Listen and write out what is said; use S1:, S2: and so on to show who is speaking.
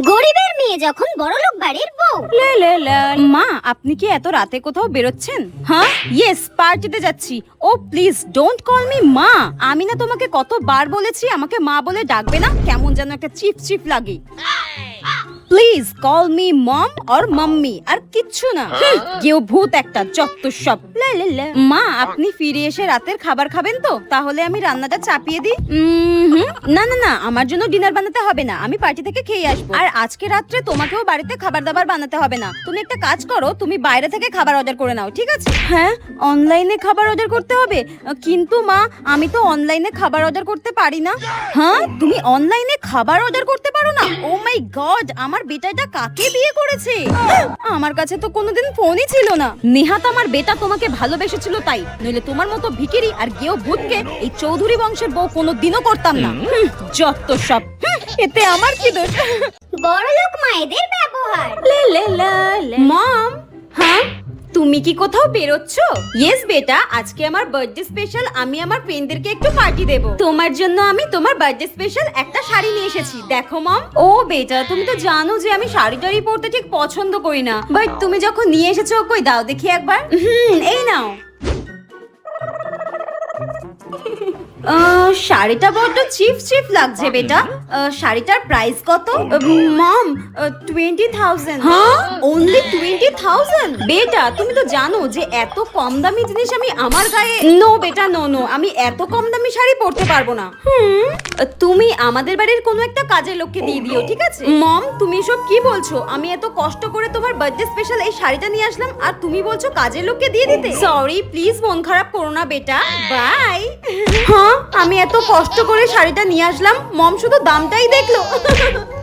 S1: গরিবের মেয়ে যখন বড়লোক বাড়ির বউ।
S2: মা, আপনি কি এত রাতে কোথাও বেরোচ্ছেন? হ্যাঁ, ইয়েস, পার্টিতে যাচ্ছি। Oh please don't call me মা। আমি না তোমাকে কতবার বলেছি আমাকে মা বলে ডাকবে না, কেমন যেন একটা চিপ চিপ লাগে। Please call me mom or mummy, আর কিচ্ছু না। কেউ ভূত একটা, যত সব। মা, আপনি ফিরে এসে রাতের খাবার খাবেন তো? তাহলে আমি রান্নাটা চাপিয়ে দিই। না না না, আমার জন্য ডিনার বানাতে হবে না, আমি পার্টি থেকে খেয়ে আসবো। আর আজকে রাত্রে তোমাকেও বাড়িতে খাবার দাবার বানাতে হবে না। তুমি একটা কাজ করো, তুমি বাইরে থেকে খাবার অর্ডার করে নাও, ঠিক আছে? হ্যাঁ, অনলাইনে খাবার অর্ডার করতে হবে? কিন্তু মা, আমি তো অনলাইনে খাবার অর্ডার করতে পারি না। হ্যাঁ, তুমি অনলাইনে খাবার অর্ডার করতে পারো না? ও মাই গড, আমার বেটাটা কাকে বিয়ে করেছে? আমার কাছে তো কোনোদিন ফোনই ছিল না। নেহাত আমার বেটা তোমাকে ভালোবেসেছিল তাই, নইলে তোমার মতো ভিখিরি আর গেও ভূতকে এই চৌধুরী বংশের বউ কোনোদিনও করতাম না। যত সব। এতে আমার কি দোষ?
S1: বড়লোক মায়েদের ব্যবহার।
S2: মম, হ্যাঁ তুমি কি কোথাও বেরোচ্ছ? ইয়েস বেটা, আজকে আমার বার্থডে স্পেশাল। আমি আমার ফ্রেন্ডদেরকে একটু পার্টি দেব। তোমার জন্য আমি তোমার বার্থডে স্পেশাল একটা শাড়ি নিয়ে এসেছি, দেখো মম। ও বেটা, তুমি তো জানো যে আমি শাড়ি টাড়ি পরতে ঠিক পছন্দ করি না, বাট তুমি যখন নিয়ে এসেছো, কই দাও দেখি একবার। এই নাও। শাড়িটা বড্ড চিপ চিপ লাগছে বেটা। শাড়িটার প্রাইস কত? মম, 20,000। হ্যাঁ, অনলি 20,000? বেটা, তুমি তো জানো যে এত কম দামি জিনিস আমি আমার গায়ে। নো বেটা, নো নো, আমি এত কম দামি শাড়ি পরতে পারবো না। তুমি আমাদের বাড়ির কোনো একটা কাজের লোককে দিয়ে দিও, ঠিক আছে? মম, তুমি এসব কি বলছো? আমি এত কষ্ট করে তোমার বার্থডে স্পেশাল এই শাড়িটা নিয়ে আসলাম, আর তুমি বলছো কাজের লোককে দিয়ে দিতে? সরি, প্লিজ মন খারাপ করো না বেটা, বাই। হ্যাঁ, আমি এত কষ্ট করে শাড়িটা নিয়ে আসলাম, মম শুধু দামটাই দেখলো।